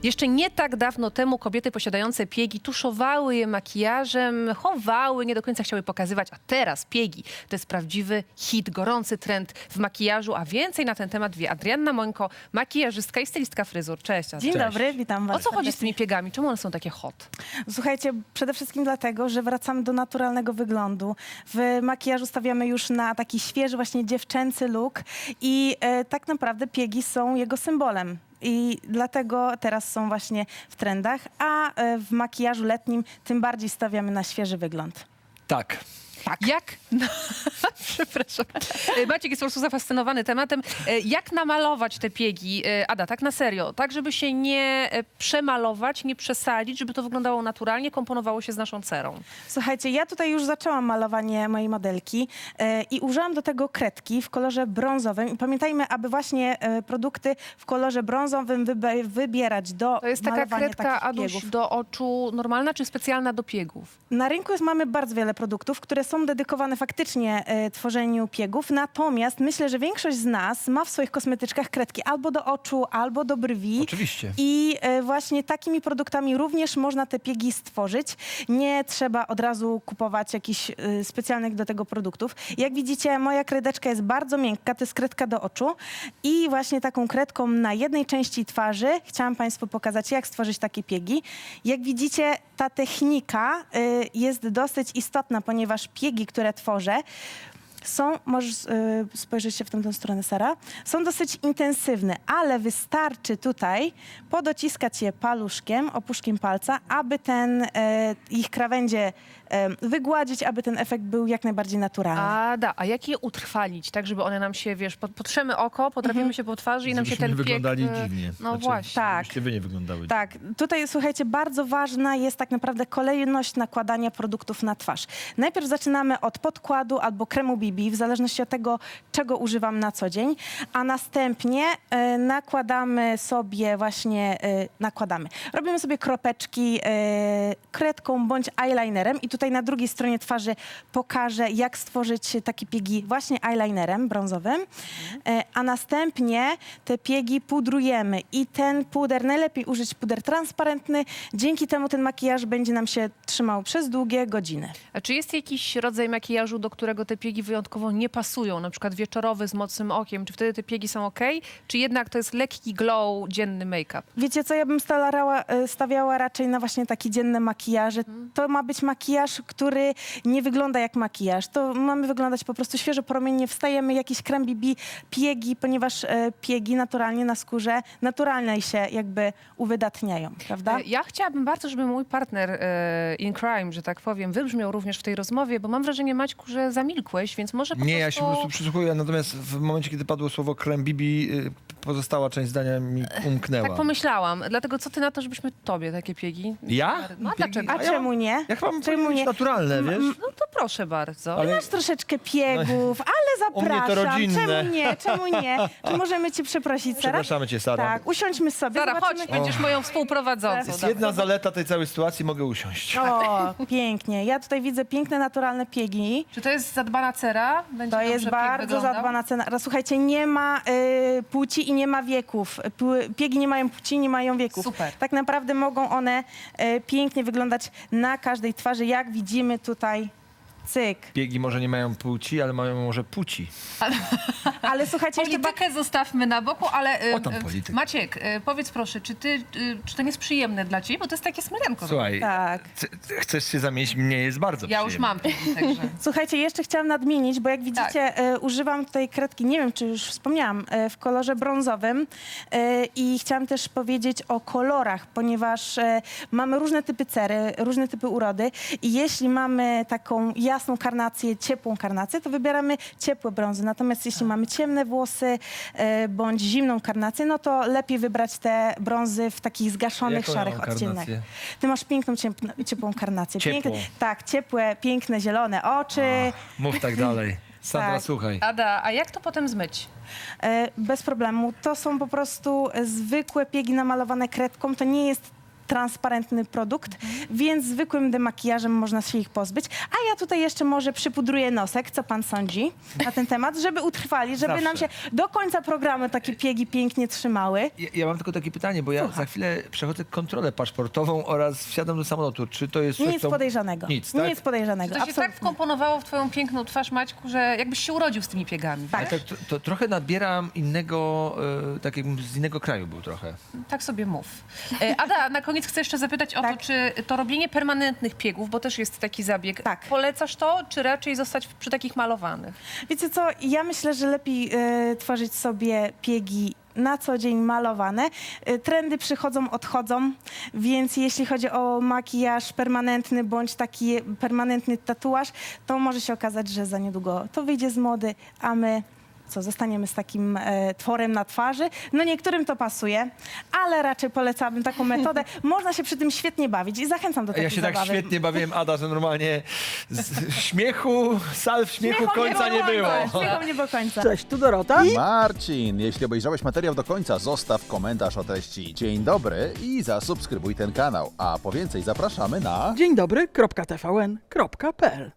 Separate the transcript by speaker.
Speaker 1: Jeszcze nie tak dawno temu kobiety posiadające piegi tuszowały je makijażem, chowały, nie do końca chciały pokazywać, a teraz piegi to jest prawdziwy hit, gorący trend w makijażu, a więcej na ten temat wie Adrianna Mońko, makijażystka i stylistka fryzur. Cześć, Adrianna.
Speaker 2: Dzień dobry, witam was.
Speaker 1: O co chodzi z tymi piegami? Czemu one są takie hot?
Speaker 2: Słuchajcie, przede wszystkim dlatego, że wracamy do naturalnego wyglądu. W makijażu stawiamy już na taki świeży, właśnie dziewczęcy look i tak naprawdę piegi są jego symbolem. I dlatego teraz są właśnie w trendach, a w makijażu letnim tym bardziej stawiamy na świeży wygląd.
Speaker 3: Tak.
Speaker 1: Jak... No, przepraszam. Maciek jest po prostu zafascynowany tematem. Jak namalować te piegi? Ada, tak na serio. Tak, żeby się nie przemalować, nie przesadzić, żeby to wyglądało naturalnie, komponowało się z naszą cerą.
Speaker 2: Słuchajcie, ja tutaj już zaczęłam malowanie mojej modelki i użyłam do tego kredki w kolorze brązowym. I pamiętajmy, aby właśnie produkty w kolorze brązowym wybierać do
Speaker 1: To jest taka
Speaker 2: malowania
Speaker 1: kredka,
Speaker 2: takich
Speaker 1: Aduś,
Speaker 2: piegów.
Speaker 1: do oczu normalna czy specjalna do piegów?
Speaker 2: Na rynku mamy bardzo wiele produktów, które są dedykowane faktycznie tworzeniu piegów, natomiast myślę, że większość z nas ma w swoich kosmetyczkach kredki albo do oczu, albo do brwi.
Speaker 3: Oczywiście.
Speaker 2: I właśnie takimi produktami również można te piegi stworzyć. Nie trzeba od razu kupować jakichś specjalnych do tego produktów. Jak widzicie, moja kredeczka jest bardzo miękka, to jest kredka do oczu i właśnie taką kredką na jednej części twarzy chciałam Państwu pokazać, jak stworzyć takie piegi. Jak widzicie, ta technika jest dosyć istotna, ponieważ piegi, które tworzę, możesz spojrzeć się w tamtą stronę, Sara, są dosyć intensywne, ale wystarczy tutaj podociskać je paluszkiem, opuszkiem palca, aby ich krawędzie wygładzić, aby ten efekt był jak najbardziej naturalny.
Speaker 1: A jak je utrwalić, tak żeby one nam się, wiesz, potrzemy oko, potrafimy się po twarzy i nam się
Speaker 3: Żebyśmy
Speaker 1: ten
Speaker 3: nie
Speaker 1: pieg...
Speaker 3: wyglądali dziwnie.
Speaker 1: No właśnie.
Speaker 2: Tak.
Speaker 3: Żebyście wy nie wyglądały
Speaker 2: Tak, tutaj słuchajcie, bardzo ważna jest tak naprawdę kolejność nakładania produktów na twarz. Najpierw zaczynamy od podkładu albo kremu BB, w zależności od tego, czego używam na co dzień, a następnie robimy sobie kropeczki kredką bądź eyelinerem i tutaj na drugiej stronie twarzy pokażę, jak stworzyć takie piegi właśnie eyelinerem brązowym, a następnie te piegi pudrujemy i ten puder, najlepiej użyć puder transparentny, dzięki temu ten makijaż będzie nam się trzymał przez długie godziny.
Speaker 1: A czy jest jakiś rodzaj makijażu, do którego te piegi wyjątkowo nie pasują, na przykład wieczorowy z mocnym okiem, czy wtedy te piegi są ok? Czy jednak to jest lekki glow, dzienny make-up?
Speaker 2: Wiecie co, ja bym stawiała raczej na właśnie takie dzienne makijaże. To ma być makijaż, który nie wygląda jak makijaż. To mamy wyglądać po prostu świeżo, promiennie. Wstajemy, jakiś krem BB, piegi, ponieważ piegi naturalnie na skórze naturalnie się jakby uwydatniają, prawda?
Speaker 1: Ja chciałabym bardzo, żeby mój partner in crime, że tak powiem, wybrzmiał również w tej rozmowie, bo mam wrażenie, Maćku, że zamilkłeś, więc może po
Speaker 3: Nie,
Speaker 1: prostu...
Speaker 3: ja się po prostu przysłuchuję, natomiast w momencie, kiedy padło słowo krem Bibi, pozostała część zdania mi umknęła.
Speaker 1: Tak pomyślałam. Dlatego co ty na to, żebyśmy tobie takie piegi?
Speaker 3: Ja?
Speaker 1: No a
Speaker 3: Piegi?
Speaker 1: dlaczego?
Speaker 2: A czemu nie?
Speaker 3: Ja chyba mam
Speaker 2: Czemu
Speaker 3: powiedzieć
Speaker 2: nie?
Speaker 3: naturalne, wiesz?
Speaker 1: No to proszę bardzo.
Speaker 3: Ale
Speaker 2: Masz troszeczkę piegów, ale
Speaker 3: u mnie to
Speaker 2: zapraszam.
Speaker 3: rodzinne.
Speaker 2: Czemu nie? Czemu nie? Czy możemy cię przeprosić, Sara?
Speaker 3: przepraszamy cię, Sara.
Speaker 2: Tak, usiądźmy sobie.
Speaker 1: Zara, chodź,
Speaker 2: zobaczymy.
Speaker 1: będziesz moją współprowadzącą.
Speaker 3: Jest jedna zaleta tej całej sytuacji, mogę usiąść.
Speaker 2: O, pięknie. Ja tutaj widzę piękne, naturalne piegi.
Speaker 1: Czy to jest zadbana cera? Będzie
Speaker 2: To
Speaker 1: dobrze
Speaker 2: jest
Speaker 1: pieg
Speaker 2: bardzo
Speaker 1: wyglądał?
Speaker 2: zadbana cena. Słuchajcie, nie ma płci i nie ma wieków. Piegi nie mają płci, nie mają wieków.
Speaker 1: Super.
Speaker 2: Tak naprawdę mogą one pięknie wyglądać na każdej twarzy, jak widzimy tutaj. Cyk.
Speaker 3: Piegi może nie mają płci, ale mają może płci.
Speaker 2: Ale słuchajcie, jeszcze tak...
Speaker 1: Politykę zostawmy na boku, ale
Speaker 3: O tam politykę.
Speaker 1: Maciek, powiedz proszę, czy to nie jest przyjemne dla ciebie? Bo to jest takie smyrenko.
Speaker 3: Słuchaj,
Speaker 2: Tak.
Speaker 3: chcesz się zamienić? Mnie jest bardzo
Speaker 1: Ja już
Speaker 3: przyjemnie.
Speaker 1: mam piegi, także...
Speaker 2: Słuchajcie, jeszcze chciałam nadmienić, bo jak widzicie, używam tutaj kredki, nie wiem, czy już wspomniałam, w kolorze brązowym i chciałam też powiedzieć o kolorach, ponieważ mamy różne typy cery, różne typy urody i jeśli mamy taką jasną karnację, ciepłą karnację, to wybieramy ciepłe brązy. Natomiast jeśli mamy ciemne włosy bądź zimną karnację, no to lepiej wybrać te brązy w takich zgaszonych,
Speaker 3: Jaką ja
Speaker 2: szarych
Speaker 3: mam
Speaker 2: odcieniach.
Speaker 3: karnację?
Speaker 2: Ty masz piękną, ciepłą karnację.
Speaker 3: Ciepłą.
Speaker 2: Tak, ciepłe, piękne, zielone oczy.
Speaker 3: Mów tak dalej. Sandra,
Speaker 2: Tak.
Speaker 3: słuchaj.
Speaker 1: Ada, a jak to potem zmyć?
Speaker 2: Bez problemu. To są po prostu zwykłe piegi namalowane kredką. To nie jest transparentny produkt, więc zwykłym demakijażem można się ich pozbyć. A ja tutaj jeszcze może przypudruję nosek, co pan sądzi na ten temat, żeby utrwali, żeby nam się do końca programu takie piegi pięknie trzymały.
Speaker 3: Ja mam tylko takie pytanie, bo ja za chwilę przechodzę kontrolę paszportową oraz wsiadam do samolotu. Czy to jest coś,
Speaker 2: Nic
Speaker 3: co...
Speaker 2: podejrzanego.
Speaker 3: Nic, tak?
Speaker 2: Nic podejrzanego.
Speaker 1: To się tak
Speaker 2: Absolutnie.
Speaker 1: wkomponowało w twoją piękną twarz, Maćku, że jakbyś się urodził z tymi piegami.
Speaker 2: Tak.
Speaker 3: Ale to trochę nabieram innego, tak jakbym z innego kraju był trochę.
Speaker 1: Tak sobie mów. Ada, na koniec chcę jeszcze zapytać o to,
Speaker 2: Tak.
Speaker 1: czy to robienie permanentnych piegów, bo też jest taki zabieg,
Speaker 2: Tak.
Speaker 1: polecasz to, czy raczej zostać przy takich malowanych?
Speaker 2: Wiecie co, ja myślę, że lepiej tworzyć sobie piegi na co dzień malowane. Trendy przychodzą, odchodzą, więc jeśli chodzi o makijaż permanentny bądź taki permanentny tatuaż, to może się okazać, że za niedługo to wyjdzie z mody, a my zostaniemy z takim tworem na twarzy. No niektórym to pasuje, ale raczej polecałabym taką metodę. Można się przy tym świetnie bawić i zachęcam do takiej
Speaker 3: Ja się tak
Speaker 2: zabawy.
Speaker 3: świetnie bawiłem, Ada, że normalnie śmiechu, salw śmiechu końca nie było.
Speaker 2: Śmiechu nie było końca.
Speaker 4: Cześć, tu Dorota.
Speaker 5: Marcin, jeśli obejrzałeś materiał do końca, zostaw komentarz o treści dzień dobry i zasubskrybuj ten kanał. A po więcej zapraszamy na...
Speaker 4: Dzień dobry, .tvn.pl